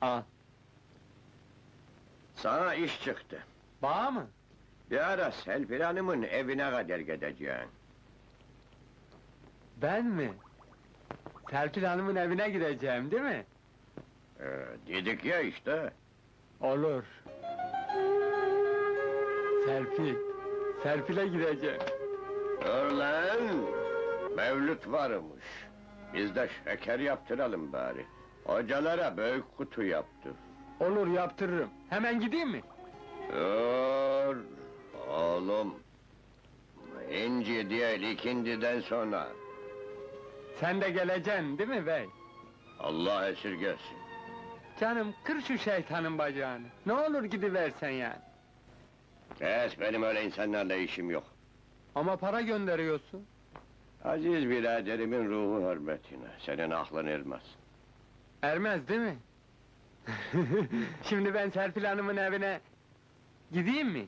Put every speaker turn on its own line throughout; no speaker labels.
Al.
Sana iş çıktı.
Bağ mı?
Bir ara Serpil Hanım'ın evine kadar gideceksin.
Ben mi? Serpil Hanım'ın evine gideceğim, değil mi?
Dedik ya işte.
Olur. Serpil'e gideceğim.
Dur lan! Mevlüt varmış. Biz de şeker yaptıralım bari. Hocalara büyük kutu yaptır.
Olur, yaptırırım. Hemen gideyim mi?
Dur! Oğlum! İnci değil, ikindiden sonra.
Sen de geleceksin, değil mi bey?
Allah esirgesin.
Canım, kır şu şeytanın bacağını. Ne olur gidiversen yani.
Kes, benim öyle insanlarla işim yok.
Ama para gönderiyorsun.
Aziz biraderimin ruhu hürmetine, senin aklın ermez.
Ermez, değil mi? Şimdi ben Serpil Hanım'ın evine gideyim mi?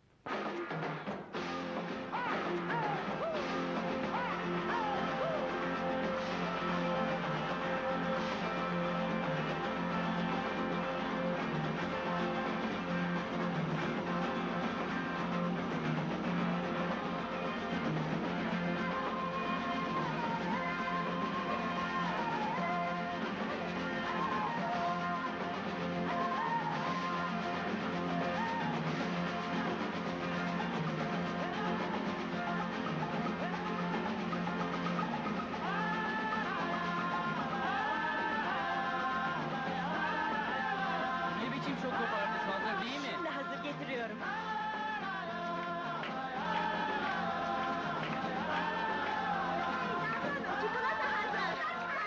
Ne biçim şok kopardınız, hazır değil mi?
Şimdi hazır getiriyorum. Çikolata hazır.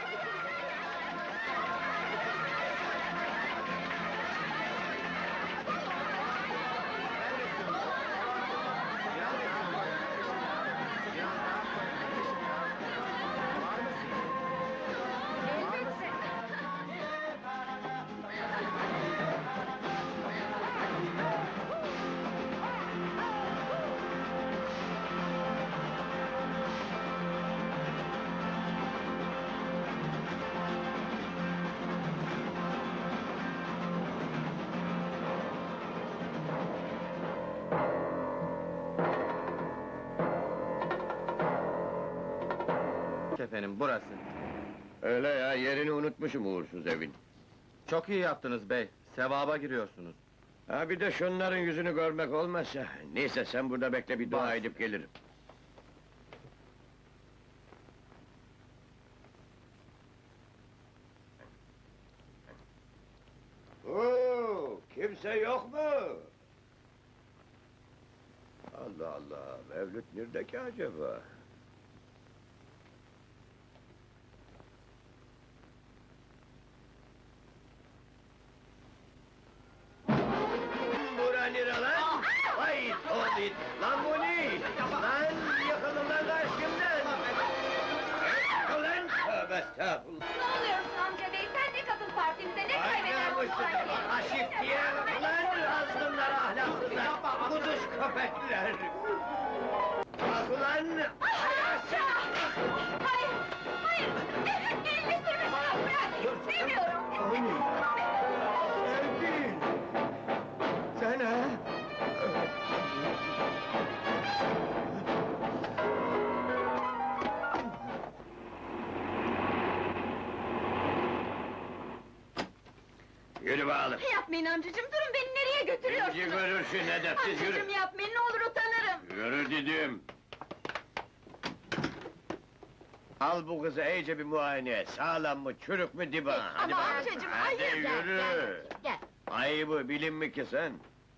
Efendim, burası.
Öyle ya, yerini unutmuşum uğursuz evin.
Çok iyi yaptınız bey, sevaba giriyorsunuz.
Ha bir de şunların yüzünü görmek olmazsa... Neyse sen burada bekle, bir dua
Baş.
edip gelirim. Oo, kimse yok mu? Allah Allah, Mevlüt nerede ki acaba? Bura nere lan? Vay Tobit! Lan bu ne? Lan yıkılın lan karşımdan! Ulan tövbe estağfurullah!
Ne oluyorsun amca bey? Sen de katıl partimize, ne
Ay
kaybeder bu
namussuz!
parti?
Aşif diye! Ulan azgınlar ahlaksızlar! Kuduş köpekler! Bak ulan!
Amca! Hayır, hayır! Elini sürme bana, bırak! İstemiyorum!
Sevgil! Sen ha? Yürü bakalım!
Yapmayın amcacığım, durun beni nereye götürüyorsunuz?
İnci görürsün edepsiz, yürü!
Amcacığım yapmayın, ne olur utanırım!
Yürü dedim! Al bu kızı iyice bir muayene et, sağlam mı, çürük mü diba? Hadi
Ama
bakalım.
amcacığım,
Hadi
hayır!
yürü!
Gel!
Ayıbı bilin mi ki sen?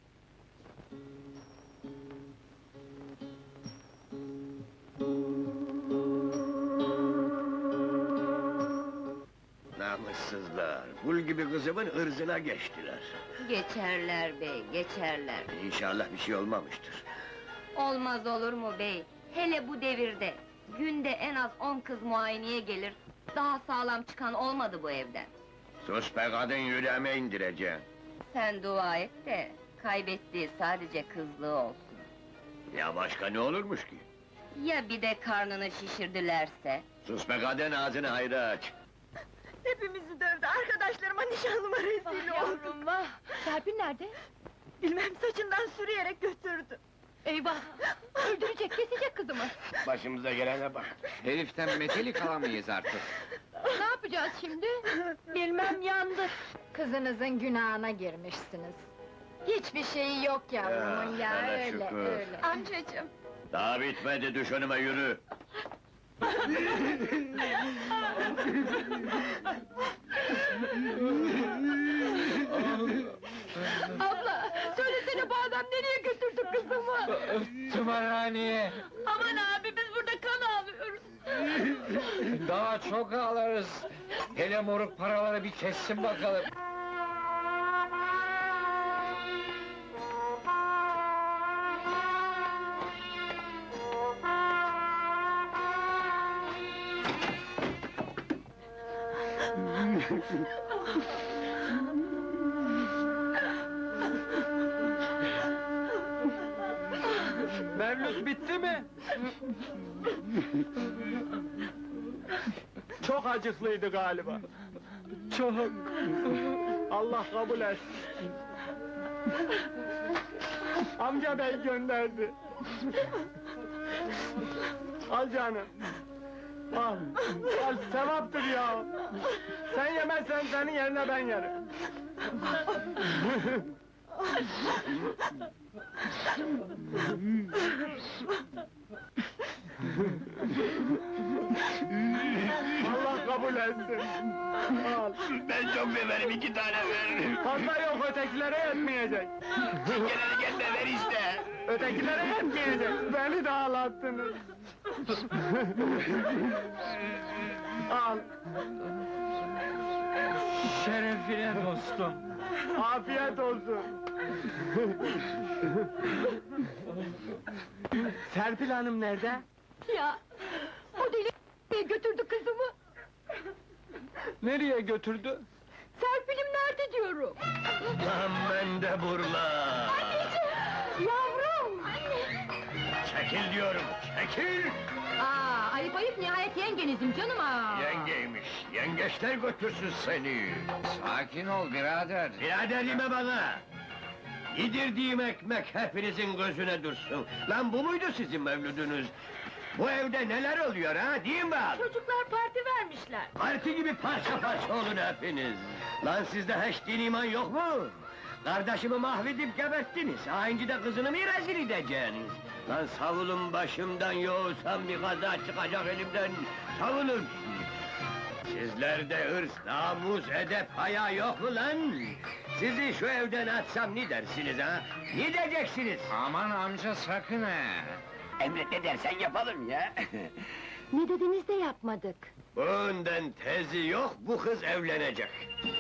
Namussuzlar! Kul gibi kızımın ırzına geçtiler.
Geçerler bey, geçerler.
İnşallah bir şey olmamıştır.
Olmaz olur mu bey? Hele bu devirde, günde en az 10 kız muayeneye gelir, daha sağlam çıkan olmadı bu evden.
Sus be kadın, yüreğime indireceğim.
Sen dua et de, kaybettiği sadece kızlığı olsun.
Ya başka ne olurmuş ki?
Ya bir de karnını şişirdilerse?
Sus be kadın, ağzını hayra aç!
Hepimizi dövdü, arkadaşlarıma nişanlıma rezil oldum.
Vah! Serpil nerede?
Bilmem, saçından sürüyerek götürdü.
Eyvah! Öldürecek, kesecek kızımı!
Başımıza gelene bak.
Heriften metelik alamayız artık.
Ne yapacağız şimdi?
Bilmem, yandık.
Kızınızın günahına girmişsiniz. Hiçbir şeyi yok yavrumun ya,
sana
öyle
şükür.
öyle.
Amcacığım,
Daha bitmedi, düş önüme yürü.
Abla! Söylesene bu adam nereye götürdü kızımı?
Tımarhaneye!
aman abi, biz burada kan ağlıyoruz.
Daha çok ağlarız! Hele moruk paraları bir kessin bakalım! Mevlüt bitti mi? Çok acıklıydı galiba. Çok. Allah kabul etsin. Amca bey gönderdi. Al canım. Al. Al, sevaptır ya. Sen yemezsen senin yerine ben yerim. Allah kabul etsin. Al.
Ben çok severim, 2 tane ver.
Fazla yok, ötekilere yetmeyecek.
Gelene gelme, ver işte.
Ötekilere yetmeyecek. Beni de ağlattınız. Al. Şerefine dostum. Afiyet olsun. Serpil Hanım nerede?
Ya! O deli nereye götürdü kızımı?
Nereye götürdü?
Serpil'im nerede diyorum?
Lan ben de burla.
Yavrum!
Çekil diyorum, çekil!
Aa, ayıp ayıp, nihayet yengenizim canım ha!
Yengeymiş, yengeçler götürsün seni!
Sakin ol birader.
Birader deme bana! Yedirdiğim ekmek hepinizin gözüne dursun! Lan bu muydu sizin mevludunuz? Bu evde neler oluyor ha, değil mi bak?
Çocuklar parti vermişler.
Parti gibi parça parça olun hepiniz! Lan sizde hiç din iman yok mu? Kardeşimi mahvedip geberttiniz, hainci de kızını mı rezil edeceksiniz? Lan savulun başımdan, yoğursam bir kaza çıkacak elimden, savulun! Sizlerde hırs, namus, edep, haya yok mu lan? Sizi şu evden atsam ne dersiniz ha? Ne diyeceksiniz?
Aman amca sakın ha!
Emret ne dersen yapalım ya!
Ne dediniz de yapmadık.
Bundan tezi yok, bu kız evlenecek!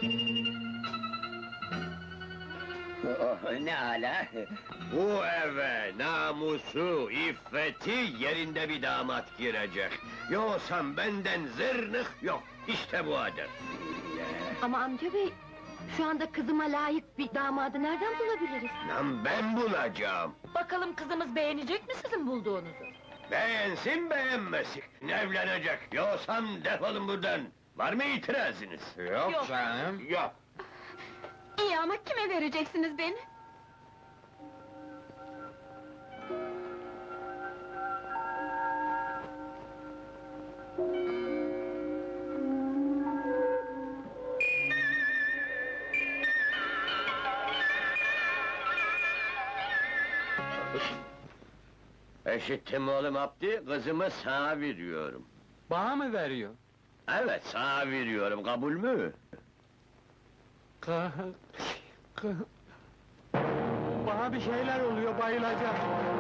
Oh, ne ala! Bu eve namusu, iffeti yerinde bir damat girecek. Yoksa benden zırnık yok, işte bu adet.
Ama amca bey, şu anda kızıma layık bir damadı nereden bulabiliriz?
Lan ben bulacağım!
Bakalım kızımız beğenecek mi sizin bulduğunuzu?
Beğensin beğenmesin, evlenecek. Yoksa defolun buradan! Var mı itirazınız?
Yok canım.
Yok!
İyi ama kime vereceksiniz beni?
Eşittim oğlum Abdi, kızımı sana veriyorum.
Bana mı veriyor?
Evet, sana veriyorum, kabul mü?
Bana bir şeyler oluyor, bayılacağım.